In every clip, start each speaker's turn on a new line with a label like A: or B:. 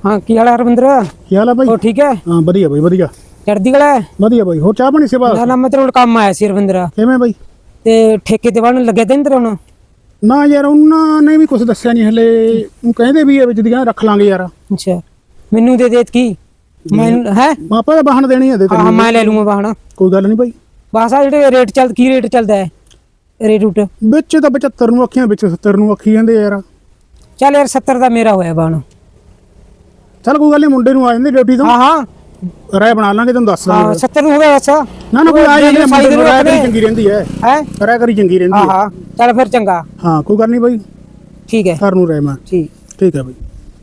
A: हाँ की हाल है रविंद्र?
B: ਕੀ ਹਾਲ ਆ ਬਾਈ?
A: हो ठीक है?
B: ਹਾਂ ਵਧੀਆ ਬਾਈ ਵਧੀਆ
A: चढ़दी गला है
B: ਵਧੀਆ ਬਾਈ। ਹੋਰ ਚਾਹ ਪਾਣੀ ਸੇਵਾ
A: ना मैं तेरे काम आया सी रविंद्र
B: ਕਿਵੇਂ ਬਾਈ?
A: ते ठेके ते वाण लगे ते तेरे हुन
B: ਨਾ ਯਾਰ ਉਹਨਾਂ ਨੇ ਵੀ ਕੁਝ ਦੱਸਿਆ ਨਹੀਂ ਹਲੇ। ਉਹ ਕਹਿੰਦੇ ਵੀ ਇਹ ਵਿੱਚ ਦੀਆਂ ਰੱਖ ਲਾਂਗੇ ਯਾਰ।
A: अच्छा मेनू दे देत की मैं है
B: ਮਾਪਾ ਦਾ ਵਾਹਣ ਦੇਣੀ ਹੈ ਦੇ
A: हाँ मैं ले लूंगा वाहन
B: ਕੋਈ ਗੱਲ ਨਹੀਂ ਬਾਈ।
A: बस आ जेडे रेट चल की रेट चलदा है रेट रूट
B: ਵਿੱਚ ਤਾਂ 75 ਨੂੰ ਅੱਖੀਆਂ ਵਿੱਚ 70 ਨੂੰ ਅੱਖੀ ਜਾਂਦੇ ਯਾਰ।
A: चल यार 70 ਦਾ ਮੇਰਾ ਹੋਇਆ ਵਾਹਨ
B: ਚੱਲ ਕੋਈ ਗੱਲ ਨਹੀਂ ਮੁੰਡੇ ਨੂੰ ਆ ਜਾਂਦੇ ਡਿਊਟੀ ਤੋਂ
A: हाँ हाँ
B: ਰਾਏ ਬਣਾ ਲਾਂਗੇ ਤੈਨੂੰ ਦੱਸ
A: हाँ
B: ਦਾਂਗੇ।
A: 70 ਨੂੰ ਹੋ ਗਿਆ ਅੱਛਾ
B: ਨਾ ਨਾ ਕੋਈ ਆ ਜਾਂਦੇ ਮੁੰਡੇ ਨੂੰ ਰਾਏ ਕਰੀ ਚੰਗੀ ਰਹਿੰਦੀ ਹੈ।
A: है
B: ਰਾਏ ਕਰੀ ਚੰਗੀ ਰਹਿੰਦੀ
A: हाँ
B: ਹੈ।
A: हाँ चल फिर चंगा
B: ਹਾਂ ਕੋਈ ਗੱਲ ਨਹੀਂ ਬਾਈ
A: ठीक है
B: ਘਰ ਨੂੰ ਰਾਏ ਮੈਂ
A: ठीक
B: ਠੀਕ ਹੈ ਬਾਈ।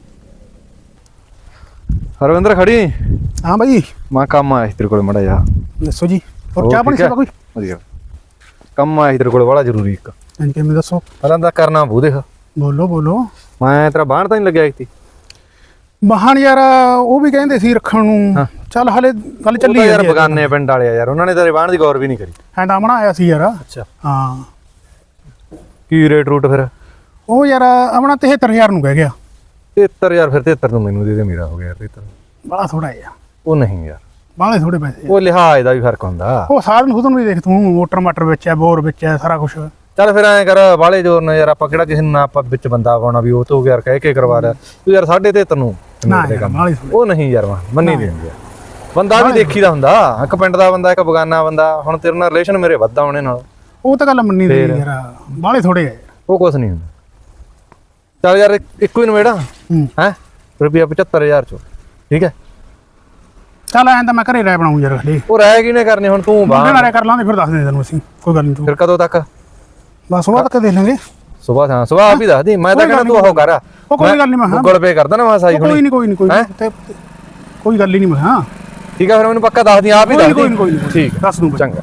C: ਹਰਵਿੰਦਰ ਖੜੀ
B: ਹਾਂ ਬਾਈ
C: ਮੈਂ ਕੰਮ ਆਇਆ ਸੀ ਤੇਰੇ ਕੋਲ ਮੜਾ ਜਾ
B: ਦੱਸੋ ਜੀ। ਹੋਰ ਚਾਹ ਪਾਣੀ ਸੇਵਾ ਕੋਈ?
C: ਵਧੀਆ ਕੰਮ ਆਇਆ ਸੀ ਤੇਰੇ ਕੋਲ ਬੜਾ ਜ਼ਰੂਰੀ ਇੱਕ।
B: ਹਾਂਜੀ ਕਿਵੇਂ ਦੱਸੋ?
C: ਪਹਿਲਾਂ ਤਾਂ ਕਰਨਾ ਬੂ ਦੇਖ
B: ਬੋਲੋ ਬੋਲੋ।
C: ਮੈਂ ਤੇਰਾ ਬਾਹਰ ਤਾਂ ਨਹੀਂ ਲੱਗਿਆ ਸੀ
B: ਵਾਹਣ ਯਾਰ ਉਹ ਵੀ ਕਹਿੰਦੇ ਸੀ ਰੱਖਣ ਨੂੰ। ਚੱਲ ਹਲੇ ਗੱਲ ਚੱਲੀ
C: ਯਾਰ
B: ਜਾਂਦੀ ਹੈ।
C: ਬਗਾਨੇ ਪਿੰਡ ਵਾਲੇ ਆ ਯਾਰ ਉਹਨਾਂ ਨੇ ਤੇਰੇ ਬਾਹਰ ਦੀ ਗੌਰ ਵੀ ਨਹੀਂ ਕਰੀ।
B: ਹੈਂਡਾਮਣਾ ਆਇਆ ਸੀ ਯਾਰ।
C: ਅੱਛਾ
B: ਹਾਂ
C: ਕੀ ਰੇਟ ਰੂਟ ਫਿਰ?
B: ਉਹ ਯਾਰ ਆਪਣਾ 73000 ਨੂੰ ਕਹਿ ਗਿਆ।
C: 73000 ਫਿਰ 73 ਨੂੰ ਮੈਨੂੰ ਦੇ ਦੇ ਮੇਰਾ ਹੋ ਗਿਆ 73।
B: ਬੜਾ ਥੋੜਾ ਹੈ ਯਾਰ।
C: ਉਹ ਨਹੀਂ ਯਾਰ
B: ਬਾਲੇ ਥੋੜੇ ਪੈਸੇ।
C: ਉਹ ਲਿਹਾਜ਼ ਦਾ ਵੀ ਫਰਕ ਹੁੰਦਾ।
B: ਉਹ ਸਾਧਨ ਸੁਧਨ ਵੀ ਦੇਖ ਤੂੰ ਮੋਟਰ ਮਾਟਰ ਵਿੱਚ ਹੈ ਬੋਰ ਵਿੱਚ ਹੈ ਸਾਰਾ ਕੁਝ।
C: ਚੱਲ ਫਿਰ ਐਂ ਕਰ ਬਾਲੇ ਜੋਰ ਨਾਲ ਯਾਰ ਆਪਾਂ ਕਿਹੜਾ ਕਿਸੇ ਨੂੰ ਨਾ ਆਪਾਂ ਵਿੱਚ ਬੰਦਾ ਪਾਉਣਾ ਵੀ ਉਹ ਤੋਂ ਯਾਰ ਕਹਿ ਕੇ ਕਰਵਾ ਲਿਆ ਤੂੰ ਯਾਰ 73 ਨੂੰ
B: ਨਾ ਯਾਰ ਬਾਲੇ ਥੋੜੇ।
C: ਉਹ ਨਹੀਂ ਯਾਰ ਮੰਨੀ ਨਹੀਂ ਹੁੰਦੀ ਬੰਦਾ ਵੀ ਦੇਖੀਦਾ ਹੁੰਦਾ ਇੱਕ ਪਿੰਡ ਦਾ ਬੰਦਾ ਇੱਕ ਬਗਾਨਾ ਬੰਦਾ। ਹੁਣ ਤੇਰੇ ਨਾਲ ਰਿਲੇਸ਼ਨ ਮੇਰੇ ਵੱਧਾ ਉਹਨੇ ਨਾਲ
B: ਉਹ ਤਾਂ ਗੱਲ ਮੰਨੀ ਦੀ ਯਾਰ ਬਾਲੇ ਥੋੜੇ ਹੈ।
C: ਉਹ ਕੁਛ ਨਹੀਂ ਹੁੰਦਾ। ਚੱਲ ਯਾਰ ਇੱਕੋ ਹੀ ਨਵੇੜਾ ਹੈ ਰੁਪਿਆ 75000 ਚੋਂ ਠੀਕ ਹੈ।
B: ਚੱਲ ਐਂ ਤਾਂ ਮੈਂ ਘਰੇ ਰਾਇ ਬਣਾਉਂ ਯਾਰ ਹਲੇ।
C: ਉਹ ਰਹਿ ਕਿਹਨੇ ਕਰਨੇ ਹੁਣ ਤੂੰ ਬਾਹਰ
B: ਰਾਇ ਕਰ ਲਾਂਗੇ ਫਿਰ ਦੱਸ ਦੇ ਤੈਨੂੰ ਅਸੀਂ ਕੋਈ ਗੱਲ ਨਹੀਂ ਤੂੰ।
C: ਫਿਰ ਕਦੋਂ ਤੱਕ?
B: ਬਸ ਉਹ ਤੱਕ ਦੇਖ ਲਾਂਗੇ।
C: ਸਵੇਰ ਹਾਂ ਸਵੇਰ ਆਪ ਹੀ ਦੱਸ ਦੀ। ਮੈਂ ਤਾਂ ਕਹਿੰਦਾ ਤੂੰ ਉਹ ਕਰ
B: ਉਹ ਕੋਈ ਗੱਲ ਨਹੀਂ ਮੈਂ
C: ਗੂਗਲ ਪੇ ਕਰਦਾ ਨਾ ਮੈਂ ਸਾਈ
B: ਕੋਈ ਨਹੀਂ ਕੋਈ ਨਹੀਂ ਕੋਈ ਕੋਈ ਗੱਲ ਹੀ ਨਹੀਂ ਮੈਂ। ਹਾਂ
C: ਠੀਕ ਹੈ ਫਿਰ ਮੈਨੂੰ ਪੱਕਾ ਦੱਸ ਦੀ ਆਪ ਹੀ ਦੱਸ ਦੀ।
B: ਕੋਈ
C: ਠੀਕ
B: ਦੱਸ ਦੂੰ
C: ਚੰਗਾ।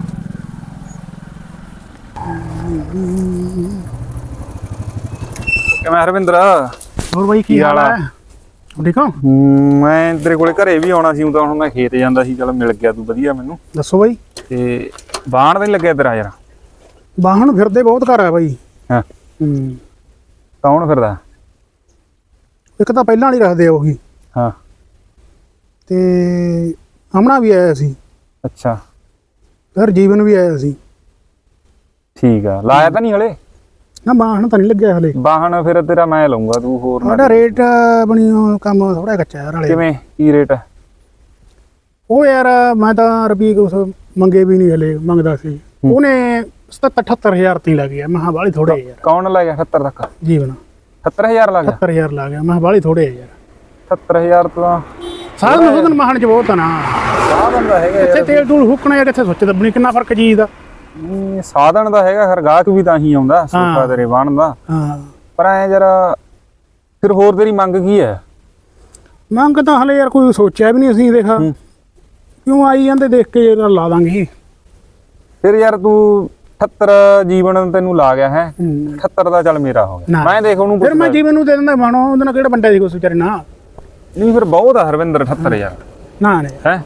D: ਕਿਵੇਂ ਹਰਵਿੰਦਰ?
B: ਹੋਰ ਬਾਈ ਕੀ ਹਾਲ ਹੈ? ਠੀਕ ਹੋ?
D: ਮੈਂ ਤੇਰੇ ਕੋਲੇ ਘਰੇ ਵੀ ਆਉਣਾ ਸੀ। ਤਾਂ ਹੁਣ ਮੈਂ ਖੇਤ ਜਾਂਦਾ ਸੀ। ਚਲ ਮਿਲ ਗਿਆ ਤੂੰ ਵਧੀਆ ਮੈਨੂੰ।
B: ਦੱਸੋ ਬਾਈ।
D: ਤੇ ਬਾਣ ਤਾਂ ਨਹੀਂ ਲੱਗਿਆ ਤੇਰਾ ਯਾਰ?
B: ਵਾਹਣ ਫਿਰਦੇ ਬਹੁਤ ਘਰ ਹੈ ਬਾਈ।
D: ਹਾਂ ਕੌਣ ਫਿਰਦਾ?
B: ਇੱਕ ਤਾਂ ਪਹਿਲਾਂ ਵਾਲੀ ਰੱਖਦੇ ਆ ਉਹੀ।
D: ਹਾਂ
B: ਤੇ ਆਮਣਾ ਵੀ ਆਇਆ ਸੀ।
D: ਅੱਛਾ
B: ਫਿਰ ਜੀਵਨ ਵੀ ਆਇਆ ਸੀ।
D: ਠੀਕ ਆ। ਲਾਇਆ ਤਾਂ ਨਹੀਂ ਹਲੇ?
B: ਨਾ ਵਾਹਣ ਤਾਂ ਨਹੀਂ ਲੱਗਿਆ ਹਲੇ।
D: ਵਾਹਣ ਫਿਰ ਤੇਰਾ ਮੈਂ ਲਊਂਗਾ ਤੂੰ ਹੋਰ ਨਾ।
B: ਸਾਡਾ ਰੇਟ ਬਣੀ ਕੰਮ ਥੋੜਾ ਕੱਚਾ ਯਾਰ ਹਲੇ।
D: ਕਿਵੇਂ ਕੀ ਰੇਟ ਹੈ?
B: ਉਹ ਯਾਰ ਮੈਂ ਤਾਂ ਰੁਪਏ ਕੁਛ ਮੰਗੇ ਵੀ ਨਹੀਂ ਹਲੇ ਮੰਗਦਾ ਸੀ। ਉਹਨੇ 77-78000 ਤੇ ਲੱਗ ਗਿਆ। ਮੈਂ ਕਿਹਾ ਬਾਹਲੀ ਥੋੜੇ ਯਾਰ।
D: ਕੌਣ ਲੈ ਗਿਆ 70 ਤੱਕ?
B: ਜੀਵਨ
D: 70000 ਲੱਗ ਗਿਆ?
B: 70000 ਲੱਗ ਗਿਆ। ਮੈਂ ਕਿਹਾ ਬਾਹਲੀ ਥੋੜੇ ਯਾਰ।
D: 70000 ਤਾਂ
B: ਸਾਧਨ ਸੁਧਨ ਮਹਾਨ ਚ ਬਹੁਤ ਆ ਨਾ।
D: ਸਾਧਨ ਦਾ ਹੈਗਾ
B: ਕਿੱਥੇ ਤੇਲ ਤੂਲ ਹੁੱਕਣਾ ਜਾਂ ਕਿੱਥੇ ਸੁੱਚ ਦੱਬਣੀ ਕਿੰਨਾ ਫਰਕ ਚੀਜ਼ ਦਾ।
D: ਸਾਧਨ ਦਾ ਹੈਗਾ ਖਰ ਗਾਹਕ ਵੀ ਤਾਂ ਹੀ ਆਉਂਦਾ ਸੋਫਾ ਤੇਰੇ ਬਾਣ ਦਾ।
B: ਹਾਂ
D: ਪਰ ਐ ਜਰਾ ਫਿਰ ਹੋਰ ਤੇਰੀ ਮੰਗ ਕੀ ਹੈ?
B: ਮੰਗ ਤਾਂ ਹਲੇ ਯਾਰ ਕੋਈ ਸੋਚਿਆ ਵੀ ਨਹੀਂ ਅਸੀਂ। ਦੇਖਾ ਕਿਉਂ ਆਈ ਜਾਂਦੇ ਦੇਖ ਕੇ ਯਾਰ ਲਾ ਦਾਂਗੇ।
D: ਫਿਰ ਯਾਰ ਤੂੰ 78 ਜੀਵਨ ਤੈਨੂੰ ਲਾ ਗਿਆ ਹੈ। 78 ਦਾ ਚੱਲ ਮੇਰਾ ਹੋ ਗਿਆ। ਮੈਂ ਦੇਖ ਉਹਨੂੰ
B: ਫਿਰ ਮੈਂ ਜੀਵਨ ਨੂੰ ਦੇ ਦਿੰਦਾ ਬਾਣੋ। ਉਹਦੇ ਨਾਲ ਕਿਹੜਾ ਬੰਦਾ ਸੀ ਕੁਛ ਵਿਚਾਰੇ ਨਾ।
D: ਨਹੀਂ ਫਿਰ ਬਹੁਤ ਆ ਹਰਵਿੰਦਰ 78 ਯਾਰ।
B: ਨਾ ਨੇ
D: ਹੈ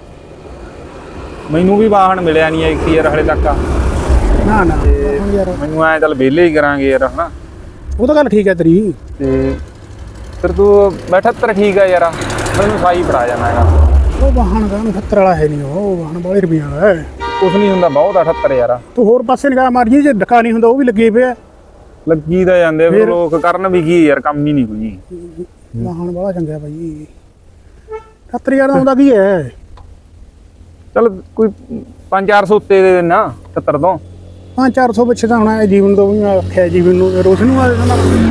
D: ਮੈਨੂੰ ਵੀ ਵਾਹਣ ਮਿਲਿਆ ਨਹੀਂ ਇੱਕ ਯਾਰ ਹਲੇ ਤੱਕ।
B: ਨਾ ਨਾ ਯਾਰ
D: ਮੈਨੂੰ ਐ ਚੱਲ ਵਿਹਲੇ ਹੀ ਕਰਾਂਗੇ ਯਾਰ ਹਨਾ।
B: ਉਹ ਤਾਂ ਗੱਲ ਠੀਕ ਹੈ ਤੇਰੀ।
D: ਤੇ ਫਿਰ ਤੂੰ 78 ਠੀਕ ਆ ਯਾਰ। ਮੈਨੂੰ ਸਾਈ ਫੜਾ ਜਾਣਾ ਹੈਗਾ।
B: ਉਹ ਵਾਹਣ ਦਾ 78 ਵਾਲਾ ਹੈ ਨਹੀਂ। ਉਹ ਵਾਹਣ ਬਾਲੇ ਰੁਪਈਆ ਵਾਲਾ ਹੈ।
D: ਕੁਛ ਨਹੀਂ ਹੁੰਦਾ ਬਹੁਤ ਆ 78 ਯਾਰ।
B: ਤੂੰ ਹੋਰ ਪਾਸੇ ਨਿਗਾਹ ਮਾਰੀ ਜੇ ਡੱਕਾ ਨਹੀਂ ਹੁੰਦਾ ਉਹ ਵੀ ਲੱਗੇ ਪਿਆ।
D: ਲੱਗੀ ਤਾਂ ਜਾਂਦੇ ਫਿਰ ਲੋਕ ਕਰਨ ਵੀ ਕੀ ਯਾਰ ਕੰਮ ਹੀ ਨਹੀਂ ਕੋਈ।
B: ਵਾਹਣ ਬੜਾ ਚੰਗਾ ਭਾਈ। 70000 ਦਾ ਆਉਂਦਾ ਕੀ ਹੈ?
D: ਚੱਲ ਕੋਈ 5-400 ਉੱਤੇ ਦੇ ਦੇਣਾ 70 ਤੋਂ।
B: 500-400 ਪਿੱਛੇ ਤਾਂ ਹੋਣਾ। ਜੀਵਨ ਤੋਂ ਵੀ ਮੈਂ ਆਖਿਆ ਜੀਵਨ ਨੂੰ ਰੋਸ਼ਨ ਨੂੰ ਆ ਦੇਣਾ।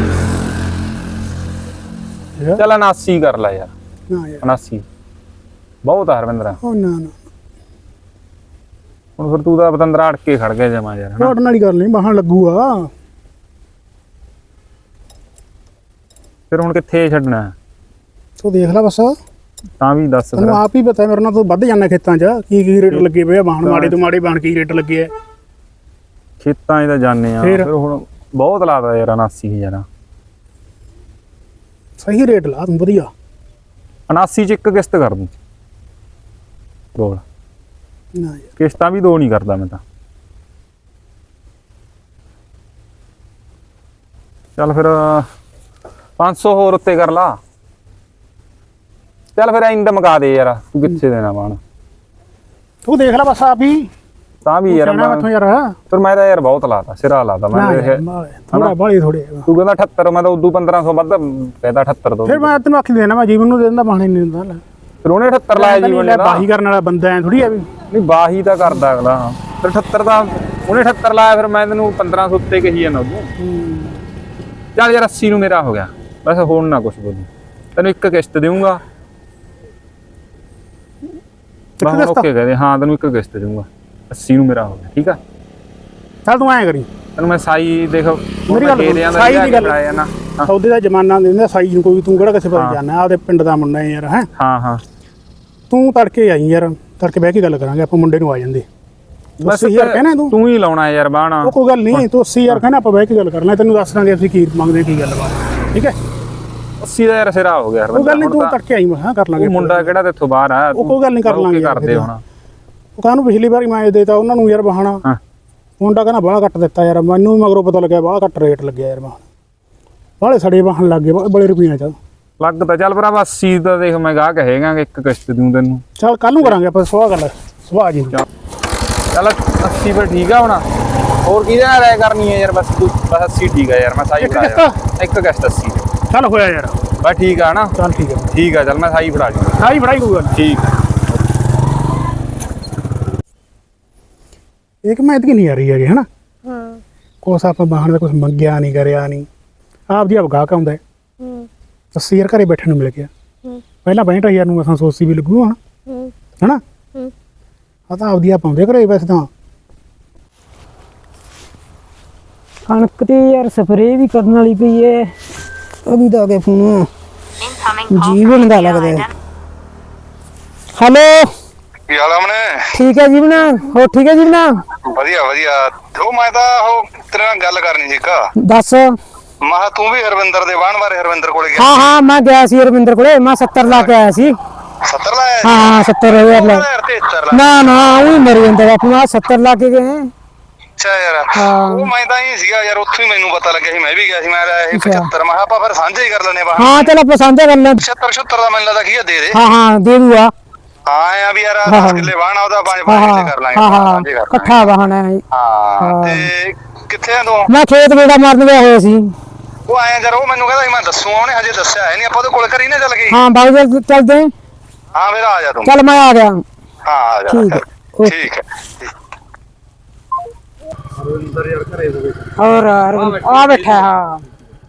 D: ਚੱਲ 79 ਕਰ ਲੈ ਯਾਰ।
B: ਨਾ ਯਾਰ
D: 79 ਬਹੁਤ ਆ ਹਰਵਿੰਦਰ।
B: ਉਹ ਨਾ ਨਾ
D: ਹੁਣ ਫਿਰ ਤੂੰ ਤਾਂ ਪਤੰਦਰਾ ਅੜ ਕੇ ਖੜ ਗਿਆ ਜਮਾ ਯਾਰ ਹਨਾ।
B: ਰੋਟਣ ਵਾਲੀ ਗੱਲ ਨਹੀਂ। ਵਾਹਣ ਲੱਗੂਗਾ।
D: ਫਿਰ ਹੁਣ ਕਿੱਥੇ ਛੱਡਣਾ?
B: ਤੂੰ ਦੇਖ ਲੈ ਬਸ।
D: ਤਾਂ ਵੀ ਦੱਸ ਫਿਰ।
B: ਤੈਨੂੰ ਆਪ ਹੀ ਪਤਾ ਮੇਰੇ ਨਾਲ ਤੂੰ ਵੱਧ ਜਾਂਦਾ ਖੇਤਾਂ 'ਚ। ਕੀ ਰੇਟ ਲੱਗੇ ਪਏ ਆ ਵਾਹਣ ਮਾੜੇ ਤੋਂ ਮਾੜੇ ਬਣ ਕੀ ਰੇਟ ਲੱਗੇ ਆ।
D: ਖੇਤਾਂ 'ਚ ਤਾਂ ਜਾਂਦੇ ਆ। ਫਿਰ ਹੁਣ ਬਹੁਤ ਲਾਦਾ ਯਾਰ 79,000।
B: ਸਹੀ ਰੇਟ ਲਾ ਤੂੰ ਵਧੀਆ।
D: 79 ਚ ਇੱਕ ਕਿਸ਼ਤ ਕਰ ਦੂੰ ਬੋਲ।
B: ਨਾ ਯਾਰ
D: ਕਿਸ਼ਤਾਂ ਵੀ ਦੋ ਨਹੀਂ ਕਰਦਾ ਮੈਂ ਤਾਂ। ਚੱਲ ਫਿਰ 500 ਹੋਰ ਉੱਤੇ ਕਰ ਲਾ। ਚੱਲ ਫਿਰ ਇੰਦ ਮਕਾ ਦੇ ਯਾਰ, ਤੂੰ ਕਿੱਥੇ ਦੇਣਾ ਬਾਣ।
B: ਤੂੰ ਦੇਖ ਲੈ ਬਸ ਆਪ ਹੀ
D: ਤਾਂ ਵੀ ਯਾਰ
B: ਮੈਥੋਂ ਯਾਰ
D: ਫਿਰ ਮੈਂ ਤਾਂ ਯਾਰ ਬਹੁਤ ਲਾਤਾ, ਸਿਰਾ ਲਾਤਾ ਮੈਂ
B: ਥੋੜਾ ਬਾਲੀ ਥੋੜੇ।
D: ਤੂੰ ਕਹਿੰਦਾ 78, ਮੈਂ ਤਾਂ ਉਦੋਂ 1500 ਵੱਧ ਕਹਿੰਦਾ 78 ਤੋਂ।
B: ਫਿਰ ਮੈਂ ਤੈਨੂੰ ਆਖੀ ਦੇਣਾ, ਮੈਂ ਜੀਵਨ ਨੂੰ ਦੇ ਦਿੰਦਾ, ਬਾਣੇ ਨਹੀਂ ਦਿੰਦਾ।
D: ਫਿਰ ਉਹਨੇ 78 ਲਾਇਆ ਜੀਵਨ ਨੇ।
B: ਬਾਹੀ ਕਰਨ ਵਾਲਾ ਬੰਦਾ ਐ ਥੋੜੀ ਆ ਵੀ।
D: ਨਹੀਂ ਬਾਹੀ ਤਾਂ ਕਰਦਾ ਅਗਲਾ, ਫਿਰ 78 ਦਾ ਉਹਨੇ 78 ਲਾਇਆ, ਫਿਰ ਮੈਂ ਤੈਨੂੰ 1500 ਉੱਤੇ ਕਹੀ ਜਾਂਦਾ ਉਦੋਂ। ਚੱਲ ਯਾਰ 80 ਨੂੰ ਮੇਰਾ ਹੋ ਗਿਆ ਬਸ, ਹੁਣ ਨਾ ਕੁਛ ਬੋਲੀ, ਤੈਨੂੰ ਇੱਕ ਕਿਸ਼ਤ ਦੇਵਾਂਗਾ। ਓਕੇ ਕਹਦੇ, ਹਾਂ ਤੈਨੂੰ ਇੱਕ ਕਿਸ਼ਤ ਦੇਵਾਂਗਾ, 80 ਨੂੰ ਮੇਰਾ ਹੋ ਗਿਆ, ਠੀਕ ਆ।
B: ਚੱਲ ਤੂੰ ਐਂ ਕਰੀ,
D: ਤੈਨੂੰ ਮੈਂ ਸਾਈ ਦੇਖ
B: ਮੇਰੀ ਗੱਲ ਸਾਈ ਦੀ ਗੱਲ ਆ ਨਾ, ਸੌਦੇ ਦਾ ਜ਼ਮਾਨਾ ਦਿੰਦਾ ਸਾਈ ਨੂੰ ਕੋਈ, ਤੂੰ ਕਿਹੜਾ ਕਿਸੇ ਪਾਸੇ ਜਾਣਾ, ਆਪਦੇ ਪਿੰਡ ਦਾ ਮੁੰਡਾ ਹੈ ਯਾਰ। ਹੈ
D: ਹਾਂ ਹਾਂ,
B: ਤੂੰ ਤੜਕੇ ਆਈ ਯਾਰ, ਤੜਕੇ ਬਹਿ ਕੇ ਗੱਲ ਕਰਾਂਗੇ ਆਪਾਂ, ਮੁੰਡੇ ਨੂੰ ਆ ਜਾਂਦੇ।
D: ਬਸ
B: 80,000 ਕਹਿਣਾ
D: ਤੂੰ ਹੀ ਲਾਉਣਾ ਯਾਰ ਬਾਣਾ।
B: ਉਹ ਕੋਈ ਗੱਲ ਨਹੀਂ, ਤੂੰ 80,000 ਕਹਿਣਾ, ਆਪਾਂ ਬਹਿ ਕੇ ਗੱਲ ਕਰ ਲੈ, ਤੈਨੂੰ ਦੱਸ ਦਾਂਗੇ ਅਸੀਂ ਕੀ ਮੰਗਦੇ ਕੀ ਗੱਲਬਾਤ, ਠੀਕ ਹੈ।
D: 80 ਦਾ ਯਾਰ ਸਿਰਾ ਹੋ ਗਿਆ।
B: ਉਹ ਗੱਲ ਨਹੀਂ, ਤੂੰ ਤੜਕੇ ਆਈ, ਮੈਂ ਕਰ ਲਾਂਗੇ।
D: ਮੁੰਡਾ ਕਿਹੜਾ ਤੇਥੋਂ ਬਾਹਰ ਆ,
B: ਉਹ ਕੋਈ ਗੱਲ ਨਹੀਂ, ਕਰ ਲਾਂਗੇ
D: ਕਰਦੇ ਹੁਣ।
B: ਉਹ ਕਾਹਨੂੰ ਪਿਛਲੀ ਵਾਰੀ ਮੈਂ ਦੇਤਾ ਉਹਨਾਂ ਨੂੰ ਯਾਰ ਬਹਾਨਾ, ਮੁੰਡਾ ਕਹਿੰਦਾ ਬਾਹਲਾ ਘੱਟ ਦਿੱਤਾ ਯਾਰ, ਮੈਨੂੰ ਵੀ ਮਗਰੋਂ ਪਤਾ ਲੱਗਿਆ ਬਾਹਲਾ ਘੱਟ ਰੇਟ ਲੱਗਿਆ ਯਾਰ, ਬਾਹਲੇ ਸੜੇ ਵਾਹਣ ਲੱਗ ਗਏ ਬੜੇ ਰੁਪਈਆਂ ਚ।
D: ਲੱਗ ਤਾਂ ਚੱਲ ਭਰਾਵਾ 80 ਦਾ ਦੇਖ, ਮੈਂ ਗਾਹ ਕਹੇਗਾ ਇੱਕ ਕਿਸ਼ਤ ਦੂੰ ਤੈਨੂੰ।
B: ਚੱਲ ਕੱਲ ਨੂੰ ਕਰਾਂਗੇ ਆਪਾਂ ਸੁਆਹ ਗੱਲ, ਸੁਆਹ ਜੀ।
D: ਚੱਲ 80 ਫਿਰ ਠੀਕ ਆ ਹੁਣ, ਹੋਰ ਕਿਹਦੇ ਨਾਲ ਰਾਇ ਕਰਨੀ ਹੈ ਯਾਰ, ਬਸ ਤੂੰ ਬਸ 80 ਠੀਕ ਆ ਯਾਰ, ਮੈਂ ਸਾਈ ਫੜਾ ਇੱਕ ਕਿਸ਼ਤ 80
B: ਚੱਲ ਹੋਇਆ ਯਾਰ,
D: ਬਸ ਠੀਕ ਆ ਨਾ।
B: ਚੱਲ ਠੀਕ ਹੈ,
D: ਠੀਕ ਆ, ਚੱਲ ਮੈਂ ਸਾਈ ਫੜਾ ਜੂ।
B: ਸਾਈ ਫੜਾਈ ਕੋਈ ਗੱਲ
D: ਠੀਕ ਆ।
B: ਇੱਕ ਮੈਂ ਇਤਕੀ ਨਹੀਂ ਆ ਰਹੀ ਹੈਗੀ, ਹਨਾ। ਕੁਛ ਆਪਾਂ ਬਾਹਣ ਦਾ ਕੁਛ ਮੰਗਿਆ ਨਹੀਂ, ਕਰਿਆ ਨਹੀਂ, ਆਪ ਦੀ ਆਪ ਗਾਹਕ ਆਉਂਦਾ ਹੈ। 80,000 ਘਰੇ ਬੈਠਣ ਨੂੰ ਮਿਲ ਗਿਆ, ਪਹਿਲਾਂ 65,000 ਨੂੰ ਅਸਾਂ ਸੋਚੀ ਵੀ ਲੱਗੂ ਹੁਣ, ਹਨਾ। ਆ ਤਾਂ ਆਪਦੀ ਆਪ ਆਉਂਦੇ ਘਰੇ ਵੈਸੇ ਤਾਂ।
A: ਕਣਕ ਤੇ ਯਾਰ ਸਪਰੇਅ ਵੀ ਕਰਨ ਵਾਲੀ ਪਈ ਏ, ਉਹਦੀ ਤਾਂ ਅਗੇ ਫੋਨ ਜੀਵਨ ਦਾ ਲੱਗਦਾ। ਹੈਲੋ,
E: ਕੀ ਹਾਲ ਆ ਮਨੇ?
A: ਠੀਕ ਹੈ ਜੀਵਨਾ, ਹੋ ਠੀਕ ਹੈ ਜੀਵਨਾ?
E: ਵਧੀਆ ਵਧੀਆ। ਉਹ ਮੈਂ ਤਾਂ ਉਹ ਤੇਰੇ ਨਾਲ ਗੱਲ ਕਰਨੀ ਸੀ ਕਾ।
A: ਦੱਸ।
E: ਮਹਾ ਤੂੰ ਵੀ ਹਰਵਿੰਦਰ ਦੇ ਵਾਹਣ ਬਾਰੇ ਹਰਵਿੰਦਰ ਕੋਲੇ ਗਿਆ?
A: ਹਾਂ ਹਾਂ, ਮੈਂ ਗਿਆ ਸੀ ਰਵਿੰਦਰ ਕੋਲੇ, ਮੈਂ 70 ਲਾ ਕੇ ਆਇਆ ਸੀ।
E: 70 ਲਾਇਆ?
A: ਹਾਂ 70,000 ਲਾ।
E: 73
A: ਨਾ ਨਾ, ਉਹ ਮਰ ਜਾਂਦਾ ਬਾਪੂ, ਮੈਂ 70 ਲਾ ਕੇ ਗਏ।
E: ਅੱਛਾ ਯਾਰ, ਉਹ ਮੈਂ ਤਾਂ ਹੀ ਸੀਗਾ ਯਾਰ, ਉੱਥੋਂ ਹੀ ਮੈਨੂੰ ਪਤਾ ਲੱਗਿਆ ਸੀ, ਮੈਂ ਵੀ ਗਿਆ ਸੀ। ਮੈਂ ਇਹ 75 ਮੈਂ ਆਪਾਂ ਫਿਰ ਸਾਂਝੇ ਹੀ ਕਰ ਲੈਣੇ ਵਾਹਣ।
A: ਹਾਂ ਚਲ ਆਪਾਂ ਸਾਂਝਾ ਕਰ ਲੈ।
E: 76 ਦਾ ਮੈਨੂੰ ਲੱਗਦਾ ਕੀ ਆ, ਦੇ ਦੇ।
A: ਹਾਂ ਹਾਂ ਦੇ ਦੂਗਾ।
E: ਹਾਂ ਆ ਵੀ ਯਾਰ 10 ਕਿੱਲੇ ਵਾਹਣ ਆਉਦਾ, 5 ਕਰ ਲਾਂਗੇ।
A: ਹਾਂ ਹਾਂ, ਇਕੱਠਾ ਵਾਹਣ ਹੈ।
E: ਹਾਂ ਤੇ ਕਿੱਥੇ ਆ ਤੂੰ?
A: ਮੈਂ ਖੇਤ ਵੇੜਾ ਮਾਰਨ ਗਿਆ ਹੋਇਆ ਸੀ।
E: ਉਹ ਆਇਆ ਯਾਰ, ਉਹ ਮੈਨੂੰ ਕਹਿੰਦਾ ਸੀ ਮੈਂ ਦੱਸੂ, ਉਹਨੇ ਹਜੇ ਦੱਸਿਆ ਹੈ ਨਹੀਂ। ਆਪਾਂ ਉਹਦੇ ਕੋਲ ਕਰੀ ਨਾ ਚੱਲ ਗਈ।
A: ਹਾਂ ਬਾਈ ਚੱਲਦੇ।
E: ਹਾਂ ਮੇਰਾ ਆ ਜਾ ਤੂੰ।
A: ਚੱਲ ਮੈਂ ਆ ਗਿਆ।
E: ਹਾਂ ਆ ਜਾ।
A: ਠੀਕ ਹੈ,
E: ਠੀਕ ਹੈ।
A: और आ बैठा है। हाँ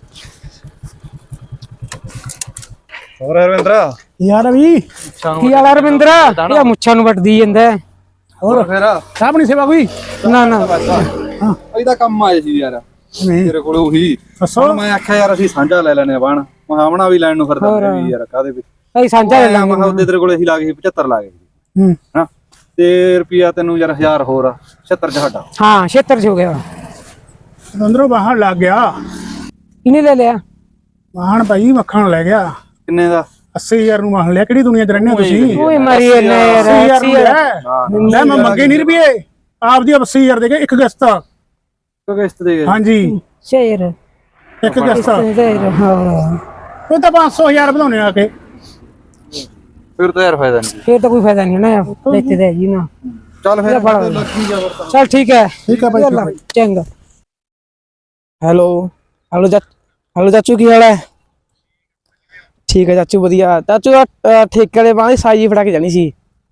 C: ਹੋਰ ਹਰਵਿੰਦਰ
B: ਯਾਰ ਵੀ
A: की हाल है रविंद्र? ये मुच्छा नु वट दी ਜਾਂਦਾ ਹੈ।
C: ਹੋਰ ਫਿਰ
B: ਸਾਹਬ ਨਹੀਂ ਸੇਵਾ ਕੋਈ
A: ਨਾ ਨਾ
C: ਇਹਦਾ ਕੰਮ ਆਏ ਸੀ ਯਾਰ ਤੇਰੇ ਕੋਲ ਉਹੀ।
B: ਦੱਸੋ।
C: ਮੈਂ ਆਖਿਆ ਯਾਰ ਅਸੀਂ ਸਾਂਝਾ ਲੈ ਲੈਨੇ ਆ ਬਾਣ, ਮਹਾਵਣਾ ਵੀ ਲੈਣ ਨੂੰ ਫਿਰਦਾ ਮੈਂ ਵੀ ਯਾਰ, ਕਾਦੇ ਵਿੱਚ
A: ਅਸੀਂ ਸਾਂਝਾ ਲੈ
C: ਮੈਂ
A: ਲਾਂਗੇ।
C: ਉਹਦੇ ਤੇਰੇ ਕੋਲ ਅਸੀਂ ਲਾ ਗਏ 75 ਲਾ ਗਏ
B: ਹੂੰ
C: ਹਾਂ, ਤੇ ਰੁਪਿਆ ਤੈਨੂੰ ਯਾਰ 1000 ਹੋਰ 76 ਚ ਹਟਾ।
A: हाँ 76 हो गया।
B: ਅੰਦਰੋਂ ਬਾਹਣ ਲੱਗ ਗਿਆ,
A: इन्हें ले लिया।
B: ਬਾਹਣ ਭਾਈ ਮੱਖਣ ਲੈ ਗਿਆ।
C: ਕਿੰਨੇ ਦਾ?
B: 80,000 ਨੂੰ ਬਾਹਣ ਲਿਆ, ਕਿਹੜੀ ਦੁਨੀਆ 'ਚ ਰਹਿੰਦੇ ਹੋ ਤੁਸੀਂ?
A: ओए मरी है ना यार।
B: 80,000 ਨੂੰ ਲੈ ਮੈਂ ਮੰਗੇ ਨਹੀਂ ਰੁਪਏ, ਆਪਦੀ 80,000 ਦੇ ਕੇ ਇੱਕ ਕਿਸ਼ਤ।
C: ਕਿਸ਼ਤ ਦੇ ਗਏ?
B: ਹਾਂਜੀ
A: शेर
B: ਇੱਕ ਕਿਸ਼ਤ।
A: शेर। हाँ
B: ਉਹ ਤਾਂ 500,000 ਵਧਾਉਣੇ ਆ ਕੇ।
C: ਫਿਰ ਤਾਂ ਯਾਰ ਫਾਇਦਾ ਨਹੀਂ।
A: फिर तो कोई फायदा नहीं है ना यार, लेते दे जी ना।
C: ਚੱਲ ਫਿਰ
A: चल ठीक है।
B: ठीक है भाई।
A: चंगा।
F: ਹੈਲੋ ਹੈਲੋ ਚਾਚੂ, ਕੀ ਹਾਲ ਹੈ? ਠੀਕ ਹੈ ਚਾਚੂ, ਵਧੀਆ। ਚਾਚੂ ਠੇਕੇ ਵਾਲੇ ਬਾਂਹ ਦੀ ਸਾਈ ਫੜਾ ਕੇ ਜਾਣੀ ਸੀ।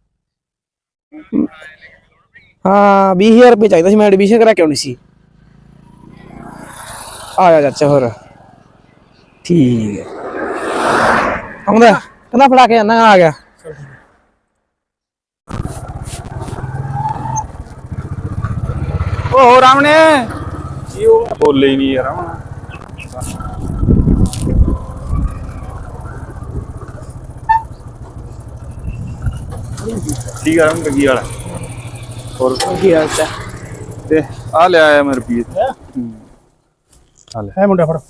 F: ਹਾਂ 20,000 ਰੁਪਏ ਚਾਹੀਦਾ ਸੀ, ਮੈਂ ਐਡਮਿਸ਼ਨ ਕਰਾ ਕੇ ਆਉਣੀ ਸੀ। ਆ ਜਾ ਚਾਚਾ, ਹੋਰ ਠੀਕ ਹੈ। ਆਉਂਦਾ ਕਹਿੰਦਾ ਫੜਾ ਕੇ ਜਾਣਾ, ਆ ਗਿਆ।
D: ਓ ਰਾਮਣੇ ਬੋਲੇ ਹੀ ਨਹੀਂ ਯਾਰ। ਠੀਕ ਆ ਰੰਗ ਕੀ ਵਾਲਾ, ਹੋਰ
F: ਕੀ ਹਾਲ ਹੈ?
D: ਤੇ ਆ ਲੈ ਆਇਆ ਮੇਰੇ ਰੁਪਏ।
B: ਹੈ ਮੁੰਡਾ ਫੜ।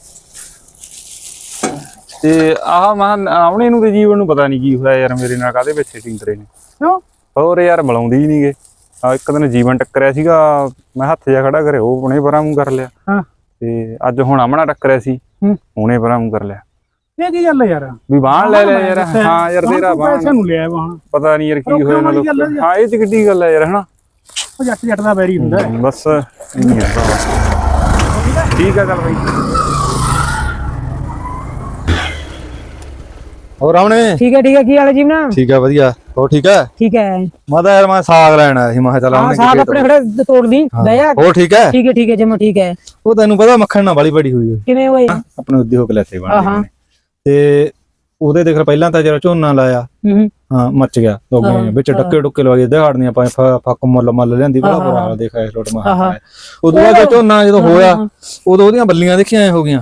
D: ਤੇ ਆਹ ਮੈਂ ਆਉਣੇ ਨੂੰ ਤੇ ਜੀਵਨ ਨੂੰ ਪਤਾ ਨਹੀਂ ਕੀ ਹੋਇਆ ਯਾਰ, ਮੇਰੇ ਨਾਲ ਕਾਹਦੇ ਵਿੱਚ ਸੈਟਿੰਗ ਕਰੇ ਨੇ।
B: ਕਿਉਂ?
D: ਹੋਰ ਯਾਰ ਬੁਲਾਉਂਦੀ ਹੀ ਨਹੀਂਗੇ। ਆ ਇੱਕ ਦਿਨ ਜੀਵਨ ਟੱਕਰਿਆ ਸੀਗਾ, ਮੈਂ ਹੱਥ ਜਾ ਖੜਾ ਕਰੇ, ਉਹ ਹੁਣੇ ਪਰਾਂ ਮੂੰਹ ਕਰ ਲਿਆ।
B: ਹਾਂ
D: ਤੇ ਅੱਜ ਹੁਣ ਆਮਣਾ ਟੱਕਰਿਆ ਸੀ, ਹੁਣੇ ਪਰਾਂ ਮੂੰਹ ਕਰ ਲਿਆ।
B: ਇਹ ਕੀ ਗੱਲ ਹੈ ਯਾਰ
D: ਵੀ ਬਾਣ ਲੈ ਲਿਆ ਯਾਰ ਹਾਂ ਯਾਰ ਤੇਰਾ ਬਾਣ
B: ਪੈਸੇ ਨੂੰ ਲਿਆ ਵਾਹਣ
D: ਪਤਾ ਨਹੀਂ ਯਾਰ ਕੀ
B: ਰੋਕਣ
D: ਹੋਇਆ
B: ਵਾਲੀ ਗੱਲ ਹੈ
D: ਮਤਲਬ ਹਾਂ ਇਹ ਚ ਕਿੱਡੀ ਗੱਲ ਹੈ ਯਾਰ ਹਨਾ
B: ਉਹ ਜੱਟ ਦਾ ਵੈਰੀ ਹੁੰਦਾ ਹੈ।
D: ਬਸ ਇੰਨੀ ਹੈ ਠੀਕ ਹੈ ਚੱਲ ਬਾਈ
C: ਹੋਰ ਆਉਣੇ
A: ਠੀਕ ਹੈ ਕੀ ਹਾਲ ਹੈ ਜੀਵਨਾ?
C: ਠੀਕ ਹੈ ਵਧੀਆ ਹੋਰ ਠੀਕ ਹੈ
A: ਠੀਕ ਹੈ।
C: ਮੈਂ ਤਾਂ ਯਾਰ ਮੈਂ ਸਾਗ ਲੈਣ ਆਇਆ ਸੀ ਮੈਂ ਕਿਹਾ ਚੱਲ
A: ਹਾਂ
C: ਆਉਣੇ
A: ਸਾਗ ਆਪਣੇ ਖੜੇ ਤੋੜ ਦੀ ਲੈ ਜਾ।
C: ਹੋਰ ਠੀਕ ਹੈ
A: ਠੀਕ ਹੈ ਜਮਾ ਠੀਕ ਹੈ।
C: ਉਹ ਤੈਨੂੰ ਪਤਾ ਮੱਖਣ ਨਾਲ ਵਾਲੀ ਬੜੀ ਹੋਈ
A: ਕਿਵੇਂ ਹੋਏ?
C: ਆਪਣੇ ਉਦਯੋਗ ਲੈਤੇ
A: ਹਾਂ।
C: ਬਣ ਤੇ ਉਹਦੇ ਦੇਖ ਪਹਿਲਾਂ ਤਾਂ ਜਰਾ ਝੋਨਾ ਲਾਇਆ
A: ਹੂੰ
C: ਹਾਂ ਮੱਚ ਗਿਆ ਦੋਗੇ ਵਿੱਚ ਡੱਕੇ ਡੁੱਕੇ ਲਵਾਏ ਦਿਹਾੜਨੀਆਂ ਆਪਾਂ ਫੱਕ ਮੁੱਲ ਲਿਆਂਦੀ ਬੜਾ ਬੁਰਾ ਹਾਲ ਦੇਖਿਆ ਇਸ ਲੋਟ ਮਾ ਉਦੋਂ ਬਾਅਦ ਝੋਨਾ ਜਦੋਂ ਹੋਇਆ ਉਦੋਂ ਉਹਦੀਆਂ ਬੱਲੀਆਂ ਦੇਖੀਆਂ ਐ ਹੋ ਗਈਆਂ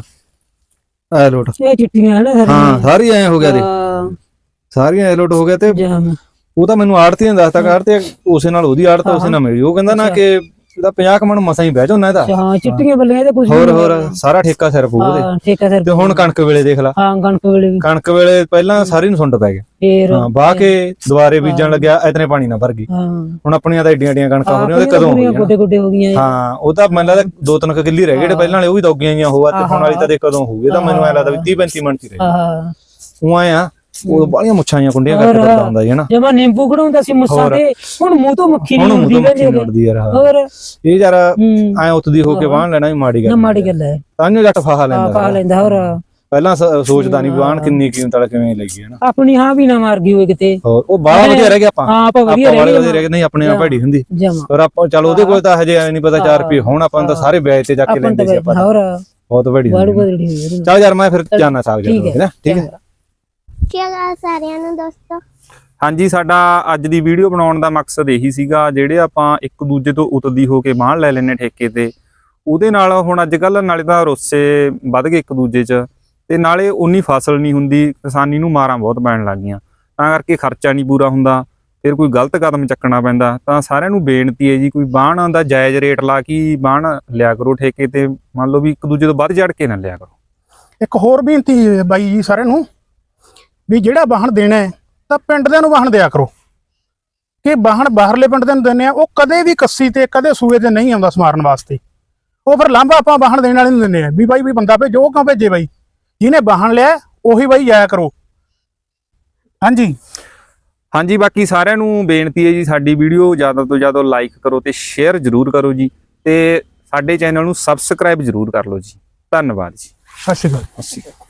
C: ਐ ਲੋਟ
A: ਇਹ ਚਿੱਟੀਆਂ ਹਨ
C: ਹਾਂ ਸਾਰੀ ਐ ਹੋ ਗਿਆ ਦੇ ਸਾਰੀਆਂ ਐ ਲੋਟ ਹੋ ਗਿਆ ਤੇ ਉਹ ਤਾਂ ਮੈਨੂੰ ਆੜਤੀ ਨੇ ਦੱਸਤਾ ਕਰ ਤੇ ਉਸੇ ਨਾਲ ਉਹਦੀ ਆੜਤ ਉਸੇ ਨਾਲ ਮੇਰੀ ਉਹ ਕਹਿੰਦਾ ਨਾ ਕਿ ਇਹਦਾ 50 ਮਣ ਮਸਾਂ ਹੀ ਬਹਿ ਜਾਣਾ ਇਹਦਾ
A: ਹਾਂ ਚਿੱਟੀਆਂ ਬੱਲੀਆਂ ਤੇ ਕੁਝ
C: ਹੋਰ ਸਾਰਾ ਠੇਕਾ ਸਿਰ ਪੂ ਉਹਦੇ
A: ਠੇਕਾ ਸਿਰ
C: ਤੇ ਹੁਣ ਕਣਕ ਵੇਲੇ ਦੇਖ ਲਾ
A: ਹਾਂ ਕਣਕ ਵੇਲੇ ਵੀ
C: ਕਣਕ ਵੇਲੇ ਪਹਿਲਾਂ ਸਾਰੀ ਨੂੰ ਸੁੰਡ ਪੈ ਗਿਆ
A: ਫੇਰ
C: ਹਾਂ ਬਾਹ ਕੇ ਦੁਬਾਰੇ ਬੀਜਣ ਲੱਗਿਆ ਇਤਨੇ ਪਾਣੀ ਨਾ ਭਰ ਗਈ
A: ਹਾਂ
C: ਹੁਣ ਆਪਣੀਆਂ ਤਾਂ ਏਡੀਆਂ ਕਣਕਾਂ ਹੋ ਰਹੀਆਂ ਉਹਦੇ ਕਦੋਂ ਹੋਣਗੀਆਂ
A: ਗੋਡੇ ਗੋਡੇ ਹੋ ਗਈਆਂ
C: ਹਾਂ ਉਹ ਤਾਂ ਮੈਨੂੰ ਲੱਗਦਾ 2-3 ਕਿੱਲੀ ਰਹਿ ਗਏ ਜਿਹੜੇ ਪਹਿਲਾਂ ਵਾਲੇ ਉਹ ਵੀ ਦੌਗੀਆਂ ਜੀਆਂ ਹੋਆ ਤੇ ਹੁਣ ਵਾਲੀ ਤਾਂ ਦੇ ਕਦੋਂ ਹੋਊਗੀ ਤਾਂ ਮੈਨੂੰ ਐ ਲੱਗਦਾ ਵੀ 30-35 ਮਿੰਟ ਹੀ ਰਹਿ
A: ਹਾਂ
C: ਉਹ ਆਏ ਆ ਉਹ ਬਾਲੀਆਂ ਮੁੱਛਾਂ ਜਾਂ ਕੁੰਡੀਆਂ ਕਰਕੇ ਡਰਦਾ ਹੁੰਦਾ ਹੈ ਨਾ
A: ਜਮਾ ਨਿੰਬੂ ਖੜਾਉਂਦਾ ਸੀ ਮੁੱਸਾਂ ਤੇ ਹੁਣ ਮੂੰਹ ਤੋਂ ਮੱਖੀ
C: ਹੁਣ
A: ਨਹੀਂ
C: ਮੂੰਹ ਤੋਂ ਮੱਖੀ
A: ਹੁੰਦੀ
C: ਉੱਡਦੀ ਯਾਰ
A: ਹੋਰ
C: ਇਹ ਯਾਰ ਐ ਉੱਤਦੀ ਹੋ ਕੇ ਬਾਣ ਲੈਣਾ ਵੀ ਮਾੜੀ
A: ਨਾ
C: ਗੱਲ
A: ਮਾੜੀ ਗੱਲ ਹੈ
C: ਤਾਂ ਜੱਟ ਫਾਹਾ
A: ਪਾ
C: ਲੈਂਦਾ
A: ਲੈਂਦਾ ਹੋਰ
C: ਪਹਿਲਾਂ ਸੋਚਦਾ ਨਹੀਂ ਬਾਣ ਕਿੰਨੀ ਕੀਮਤ ਵਾਲਾ ਕਿਵੇਂ ਲੱਗੀ ਹੈ ਨਾ
A: ਆਪਣੀ ਹਾਂ ਵੀ ਨਾ ਮਾਰ ਗਈ ਹੋਏ ਕਿਤੇ
C: ਹੋਰ ਉਹ ਬਾਹਲਾ ਵਧੀਆ ਰਹਿ ਗਿਆ ਆਪਾਂ
A: ਹਾਂ ਆਪਾਂ ਵਧੀਆ
C: ਆਪਾਂ
A: ਰਹਿ
C: ਵਧੀਆ ਰਹਿ ਗਏ ਨਹੀਂ ਆਪਣੇ ਆਪ ਭੈੜੀ ਹੁੰਦੀ
A: ਜਮਾ
C: ਪਰ ਆਪਾਂ ਚਲ ਉਹਦੇ ਕੋਲ ਤਾਂ ਹਜੇ ਐ ਨਹੀਂ ਪਤਾ 4 ਰੁਪਏ ਹੁਣ ਆਪਾਂ ਤਾਂ ਸਾਰੇ ਵਿਆਜ ਤੇ ਜਾ ਕੇ ਲੈਂਦੇ ਸੀ ਆਪਾਂ
A: ਹੋਰ
C: ਬਹੁਤ ਭੈੜੀ
A: ਬੜੀ ਬਦੜੀ ਹੋਈ
C: ਚੱਲ ਯਾਰ ਮੈਂ ਫਿਰ ਜਾਣਾ ਸਾਗ ਜਦੋਂ ਠੀਕ ਹੈ
G: ਕੀ ਹਾਲ ਸਾਰਿਆਂ ਨੂੰ ਦੋਸਤੋ।
D: ਹਾਂਜੀ ਸਾਡਾ ਅੱਜ ਦੀ ਵੀਡੀਓ ਬਣਾਉਣ ਦਾ ਮਕਸਦ ਇਹੀ ਸੀਗਾ ਜਿਹੜੇ ਆਪਾਂ ਇੱਕ ਦੂਜੇ ਤੋਂ ਉਤਦੀ ਹੋ ਕੇ ਬਾਣ ਲੈ ਲੈਨੇ ਠੇਕੇ ਤੇ ਉਹਦੇ ਨਾਲ ਹੁਣ ਅੱਜ ਕੱਲ ਨਾਲੇ ਤਾਂ ਰੋਸੇ ਵੱਧ ਗਏ ਇੱਕ ਦੂਜੇ 'ਚ ਤੇ ਨਾਲੇ ਉਨੀ ਫਸਲ ਨਹੀਂ ਹੁੰਦੀ ਕਿਸਾਨੀ ਨੂੰ ਮਾਰਾਂ ਬਹੁਤ ਪੈਣ ਲੱਗ ਗਈਆਂ ਤਾਂ ਕਰਕੇ ਖਰਚਾ ਨਹੀਂ ਪੂਰਾ ਹੁੰਦਾ ਫਿਰ ਕੋਈ ਗਲਤ ਕਦਮ ਚੱਕਣਾ ਪੈਂਦਾ ਤਾਂ ਸਾਰਿਆਂ ਨੂੰ ਬੇਨਤੀ ਹੈ ਜੀ ਕੋਈ ਬਾਣ ਦਾ ਜਾਇਜ਼ ਰੇਟ ਲਾ ਕੇ ਬਾਣ ਲਿਆ ਕਰੋ ਠੇਕੇ ਤੇ ਮੰਨ ਲਓ ਵੀ ਇੱਕ ਦੂਜੇ ਤੋਂ ਵੱਧ ਚੜ ਕੇ ਨਾ ਲਿਆ ਕਰੋ।
B: ਇੱਕ ਹੋਰ ਬੇਨਤੀ ਹੈ ਬਾਈ ਜੀ ਸਾਰਿਆਂ ਨੂੰ ਵੀ ਜਿਹੜਾ ਵਾਹਣ ਦੇਣਾ ਹੈ ਤਾਂ ਪਿੰਡ ਦੇ ਨੂੰ ਵਾਹਣ ਦਿਆ ਕਰੋ ਕਿ ਵਾਹਣ ਬਾਹਰਲੇ ਪਿੰਡ ਦੇ ਨੂੰ ਦਿੰਦੇ ਆ ਉਹ ਕਦੇ ਵੀ ਕੱਸੀ ਤੇ ਕਦੇ ਸੂਏ ਤੇ ਨਹੀਂ ਆਉਂਦਾ ਸਮਾਰਨ ਵਾਸਤੇ ਉਹ ਫਿਰ ਲਾਂਭਾ ਆਪਾਂ ਵਾਹਣ ਦੇਣ ਵਾਲੇ ਨੂੰ ਦਿੰਦੇ ਆ ਵੀ ਬਾਈ ਵੀ ਬੰਦਾ ਭੇਜੋ ਉਹ ਕਿਉਂ ਭੇਜੇ ਬਾਈ ਜਿਹਨੇ ਵਾਹਣ ਲਿਆ ਉਹੀ ਬਾਈ ਜਾਇਆ ਕਰੋ। ਹਾਂਜੀ
D: ਬਾਕੀ ਸਾਰਿਆਂ ਨੂੰ ਬੇਨਤੀ ਹੈ ਜੀ ਸਾਡੀ ਵੀਡੀਓ ਜ਼ਿਆਦਾ ਤੋਂ ਜ਼ਿਆਦਾ ਲਾਈਕ ਕਰੋ ਤੇ ਸ਼ੇਅਰ ਜ਼ਰੂਰ ਕਰੋ ਜੀ ਤੇ ਸਾਡੇ ਚੈਨਲ ਨੂੰ ਸਬਸਕ੍ਰਾਈਬ ਜ਼ਰੂਰ ਕਰ ਲਓ ਜੀ। ਧੰਨਵਾਦ ਜੀ।
B: ਸਤਿ ਸ਼੍ਰੀ ਅਕਾਲ।
D: ਸਤਿ ਸ਼੍ਰੀ ਅਕਾਲ।